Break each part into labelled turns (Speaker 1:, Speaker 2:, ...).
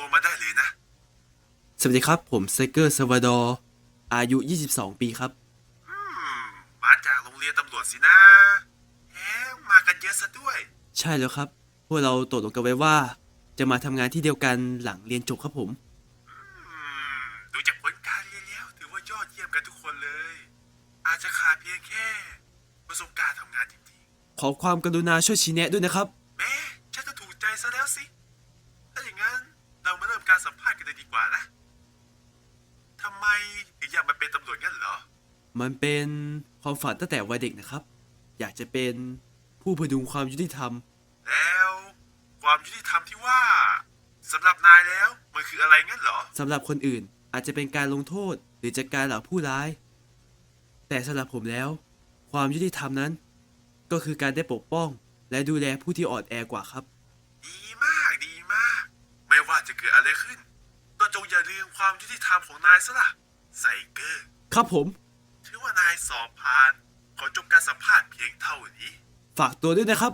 Speaker 1: ตัวมาได้เลยนะ
Speaker 2: สวัสดีครับผมไซเกอร์ซาวาดอร์อายุ22 ปีครับ
Speaker 1: อืมาจากโรงเรียนตำรวจสินะแหมมากันเยอะซะด้วย
Speaker 2: ใช่แล้วครับพวกเราตกลงกันไว้ว่าจะมาทำงานที่เดียวกันหลังเรียนจบครับผม
Speaker 1: ดูจากผลการเรียนแล้วถือว่ายอดเยี่ยมกันทุกคนเลยอาจจะขาดเพียงแค่ประสบการณ์ทำงานจริง
Speaker 2: ขอความกรุณาช่วยชี้แนะด้วยนะครับ
Speaker 1: ๆแม้ฉันจะถูกใจซะแล้วสิถ้าอย่างนั้นเรามาเริ่มการสัมภาษณ์กันเลยดีกว่านะทำไมถึงอยากมาเป็นตำรวจงั้นเหรอ
Speaker 2: มันเป็นความฝันตั้งแต่วัยเด็กนะครับอยากจะเป็นผู้พดุงความยุติธรรม
Speaker 1: แล้วความยุติธรรมที่ว่าสำหรับนายแล้วมันคืออะไรงั้นเหรอ
Speaker 2: สำหรับคนอื่นอาจจะเป็นการลงโทษหรือจัดการเหล่าผู้ร้ายแต่สำหรับผมแล้วความยุติธรรมนั้นก็คือการได้ปกป้องและดูแลผู้ที่อ่อนแอกว่าครับ
Speaker 1: ดีมากดีมากไม่ว่าจะเกิดอะไรขึ้นก็จงอย่าลืมความยุติธรรมของนายซะล่ะไซเกอร์
Speaker 2: ครับผม
Speaker 1: ถือว่านายสอบผ่านขอจบการสัมภาษณ์เพียงเท่านี้
Speaker 2: ฝากตัวด้วยนะครับ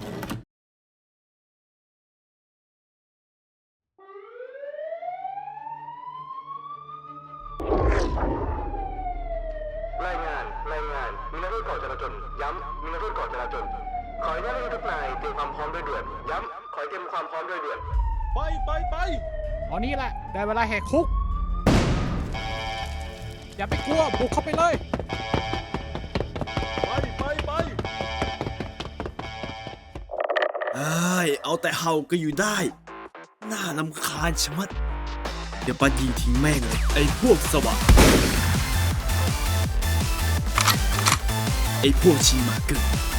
Speaker 3: รายงานมีนักโทษก่อจราจรย้ำมีนักโทษก่อจราจรขออนุญาตให้ทุกนายเตรียมความพร้อมโดยด่วนย้ำขอเตรียมความพร้อมโดยด่วน
Speaker 4: ไปตอนนี้แหละได้เวลาแหกคุกอย่าไปกลัวบุกเข้าไปเลยไป
Speaker 2: เอาแต่เห่าก็อยู่ได้น่ารำคาญชะมัดเดี๋ยวปัดยิงทิ้งแม่งเลยไอ้พวกสวะไอ้พวกชีมาเกิน